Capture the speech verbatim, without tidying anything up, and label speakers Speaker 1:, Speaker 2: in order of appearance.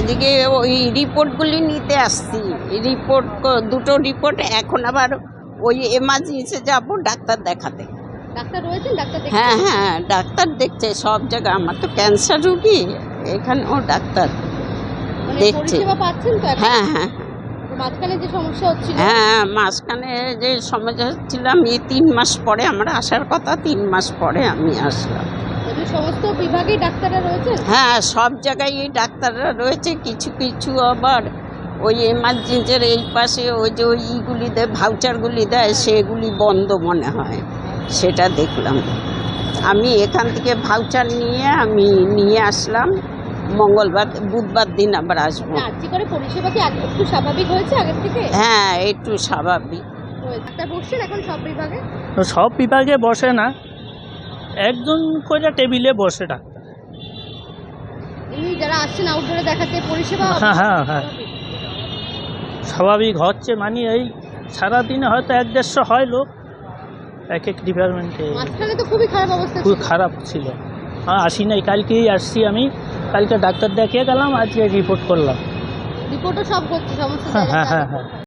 Speaker 1: আজকে ওই রিপোর্টগুলি নিতে আসছি। রিপোর্ট দুটো রিপোর্ট, এখন আবার ওই এমার্জেন্সি যাব ডাক্তার দেখাতে।
Speaker 2: ডাক্তার রয়েছেন? ডাক্তার দেখছেন?
Speaker 1: হ্যাঁ হ্যাঁ ডাক্তার দেখছে সব জায়গায়। আমার তো ক্যান্সার রুগী, এখানেও ডাক্তার
Speaker 2: মানে
Speaker 1: দেখছে।
Speaker 2: পরিষেবা পাচ্ছেন তো এখন?
Speaker 1: হ্যাঁ হ্যাঁ
Speaker 2: তো মাঝখানে যে সমস্যা হচ্ছিল?
Speaker 1: হ্যাঁ মাঝখানে যে সমস্যা হচ্ছিলাম, এই তিন মাস পরে আমার আসার কথা, তিন মাস পরে আমি আসলাম।
Speaker 2: এদের সমস্ত বিভাগেই ডাক্তাররা রয়েছে?
Speaker 1: হ্যাঁ সব জায়গায় এই ডাক্তাররা রয়েছে। কিছু কিছু আবার ওই এমার্জেন্সির এই পাশে ওই যে ওই ইগুলি দেয়, ভাউচারগুলি দেয়, সেগুলি বন্ধ মনে হয়, সেটা দেখলাম। আমি এখান থেকে ভাউচার নিয়ে আমি নিয়ে আসলাম। মঙ্গলবার বুধবার দিন আবার আসবো।
Speaker 2: আজকে করে পরিষেবা কি আগে একটু স্বাভাবিক হয়েছে আগের থেকে?
Speaker 1: হ্যাঁ একটু স্বাভাবিক।
Speaker 2: ডাক্তার বসছেন এখন সব বিভাগে?
Speaker 3: তো সব বিভাগে বসে না, একজন করে টেবিলে বসে ডাক্তার।
Speaker 2: এমনি যারা আসছেন আউটডোরে দেখাতে পরিষেবা
Speaker 3: হ্যাঁ হ্যাঁ হ্যাঁ স্বাভাবিক হচ্ছে, মানে এই সারাদিনে হয়তো এক দেড়শো হয় লোক এক এক ডিপার্টমেন্টে।
Speaker 2: মাঝখানে তো খুবই খারাপ অবস্থা
Speaker 3: খুব
Speaker 2: ছিল।
Speaker 3: খারাপ ছিল। হ্যাঁ আসি নাই, কালকেই আসছি আমি। কালকে ডাক্তার দেখিয়ে গেলাম, আজকে রিপোর্ট করলাম।
Speaker 2: রিপোর্টও সব হচ্ছে সমস্ত
Speaker 3: হ্যাঁ হ্যাঁ
Speaker 2: জায়গায়।
Speaker 3: হ্যাঁ হ্যাঁ